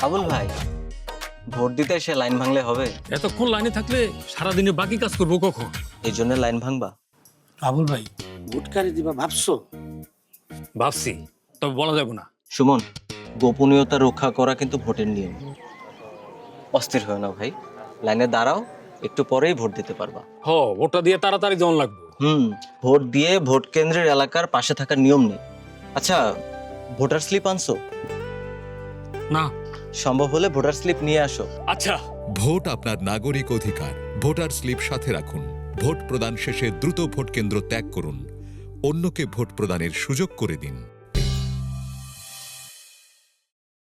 আবুল ভাই, ভোট দিতে এসে লাইন ভাঙলে হবে? এতক্ষণ লাইনে থাকলে সারাদিনে বাকি কাজ করবো কখন? এই জন্য লাইন ভাঙবা? আবুল ভাই ভোট কারে দিবা ভাবছো? ভাবছি, তবে বলা যাবে না। সুমন, গোপনীয়তা রক্ষা করা কিন্তু ভোটের নিয়ম। অস্থির হয় না ভাই, লাইনে দাঁড়াও, একটু পরেই ভোট দিতে পারবা। ভোটটা দিয়ে তাড়াতাড়ি জন লাগবে। ভোট দিয়ে ভোট কেন্দ্রের এলাকার পাশে থাকার নিয়ম নেই। আচ্ছা, ভোটার স্লিপ আনছো? না। সম্ভব হলে ভোটার স্লিপ নিয়ে আসো। আচ্ছা। ভোট আপনার নাগরিক অধিকার। ভোটার স্লিপ সাথে রাখুন। ভোট প্রদান শেষে দ্রুত ভোট কেন্দ্র ত্যাগ করুন। অন্যকে ভোট প্রদানের সুযোগ করে দিন।